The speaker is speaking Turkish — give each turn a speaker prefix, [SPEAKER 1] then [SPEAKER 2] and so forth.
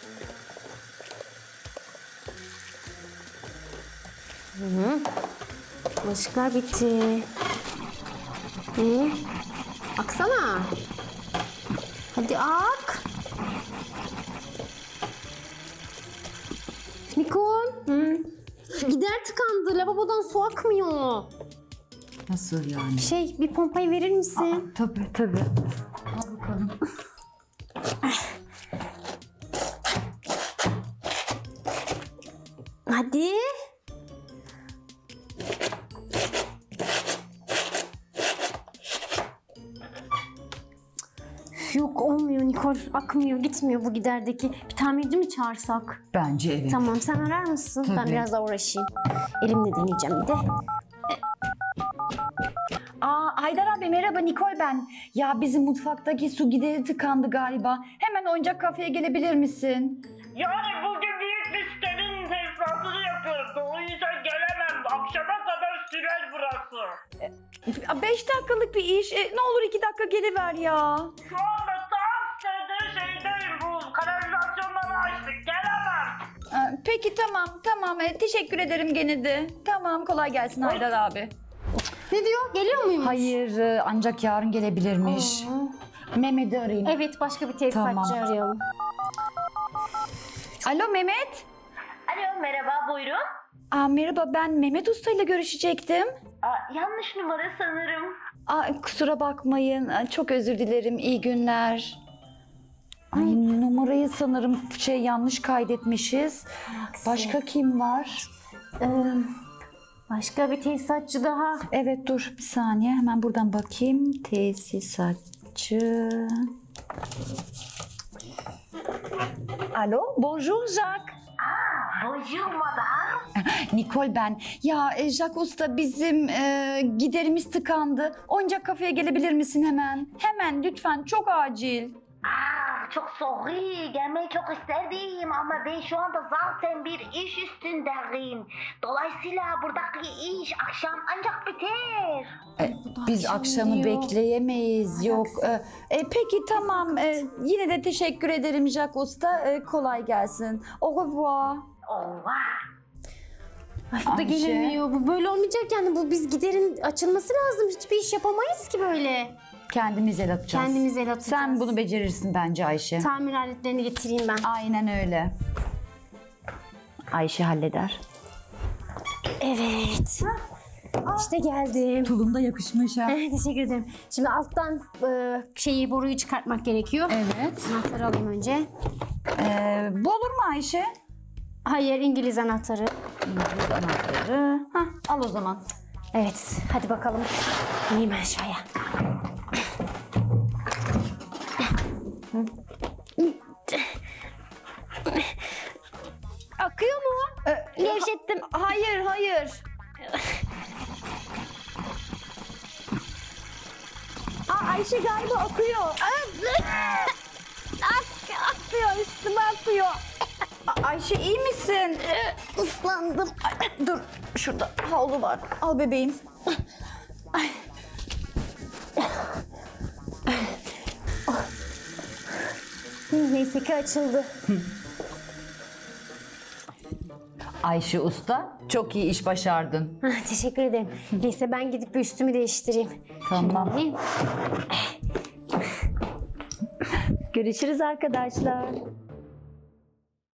[SPEAKER 1] Bulaşıklar bitti. Aksana. Hadi ak. Nikol. Gider tıkandı. Lavabodan su akmıyor.
[SPEAKER 2] Nasıl yani?
[SPEAKER 1] Bir pompayı verir misin?
[SPEAKER 2] Tabii. Al bakalım.
[SPEAKER 1] Hadi. Yok olmuyor Nikol. Akmıyor, gitmiyor bu giderdeki. Bir tamirci mi çağırsak?
[SPEAKER 2] Bence evet.
[SPEAKER 1] Tamam, sen arar mısın? Ben
[SPEAKER 2] Tabii.
[SPEAKER 1] biraz daha uğraşayım. Elimle deneyeceğim bir de.
[SPEAKER 2] Haydar abi merhaba, Nikol ben. Ya bizim mutfaktaki su gideri tıkandı galiba. Hemen oyuncak kafeye gelebilir misin?
[SPEAKER 3] Yani bugün büyük bir sitenin tesisatını yapıyoruz. O yüzden gelemem. Akşama kadar sürer burası.
[SPEAKER 2] 5 dakikalık bir iş. Ne olur 2 dakika geliver ya.
[SPEAKER 3] Şu anda tam sitede şeydeyim. Bu kanalizasyonları açtık. Gelemem.
[SPEAKER 2] Peki tamam. Teşekkür ederim gene de. Tamam, kolay gelsin Haydar abi.
[SPEAKER 1] Ne diyor? Geliyor muymuş?
[SPEAKER 2] Hayır, ancak yarın gelebilirmiş. Mehmet'i arayayım.
[SPEAKER 1] Evet, başka bir tesisatçı
[SPEAKER 2] Tamam.
[SPEAKER 1] arayalım.
[SPEAKER 2] Alo Mehmet.
[SPEAKER 3] Alo merhaba buyurun.
[SPEAKER 2] Merhaba, ben Mehmet Usta ile görüşecektim.
[SPEAKER 3] Yanlış numara sanırım.
[SPEAKER 2] Kusura bakmayın. Çok özür dilerim. İyi günler. Ay, numarayı sanırım yanlış kaydetmişiz. Başka kim var?
[SPEAKER 1] Başka bir tesisatçı daha.
[SPEAKER 2] Evet, dur bir saniye. Hemen buradan bakayım. Tesisatçı. Alo, bonjour Jacques.
[SPEAKER 3] Bonjour madame.
[SPEAKER 2] Nikol ben. Ya Jacques Usta, bizim giderimiz tıkandı. Oyuncak kafeye gelebilir misin hemen? Hemen lütfen, çok acil.
[SPEAKER 3] Çok sorry. Gelmeyi çok isterdim ama ben şu anda zaten bir iş üstündeyim. Dolayısıyla buradaki iş akşam ancak biter.
[SPEAKER 2] Biz
[SPEAKER 1] akşam
[SPEAKER 2] akşamı
[SPEAKER 1] diyor.
[SPEAKER 2] bekleyemeyiz. Yok. Peki tamam. Yine de teşekkür ederim Jacques Usta. Kolay gelsin. Au revoir.
[SPEAKER 3] Ova.
[SPEAKER 1] Ay, bu da
[SPEAKER 2] Ayşe.
[SPEAKER 1] gelemiyor. Bu böyle olmayacak yani. Biz giderin açılması lazım. Hiçbir iş yapamayız ki böyle.
[SPEAKER 2] Kendimiz el atacağız.
[SPEAKER 1] Kendimiz el atacağız.
[SPEAKER 2] Sen bunu becerirsin bence Ayşe.
[SPEAKER 1] Tamir aletlerini getireyim ben.
[SPEAKER 2] Aynen öyle. Ayşe halleder.
[SPEAKER 1] Evet. İşte geldim.
[SPEAKER 2] Tulum da yakışmış ha.
[SPEAKER 1] Teşekkür ederim. Şimdi alttan boruyu çıkartmak gerekiyor.
[SPEAKER 2] Evet.
[SPEAKER 1] Anahtarı alayım önce.
[SPEAKER 2] Bu olur mu Ayşe?
[SPEAKER 1] Hayır, İngiliz anahtarı.
[SPEAKER 2] İngiliz anahtarı. Al o zaman.
[SPEAKER 1] Evet, hadi bakalım. İneyim aşağıya. Akıyor mu? Gevşettim.
[SPEAKER 2] Hayır. Ayşe galiba akıyor.
[SPEAKER 1] Akıyor, üstüme akıyor.
[SPEAKER 2] Ayşe iyi misin?
[SPEAKER 1] Islandım.
[SPEAKER 2] Dur, şurada havlu var. Al bebeğim.
[SPEAKER 1] Neyse ki açıldı.
[SPEAKER 2] Ayşe Usta, çok iyi iş başardın.
[SPEAKER 1] Teşekkür ederim. Neyse ben gidip bir üstümü değiştireyim.
[SPEAKER 2] Tamam.
[SPEAKER 1] Şimdi-
[SPEAKER 2] Görüşürüz arkadaşlar.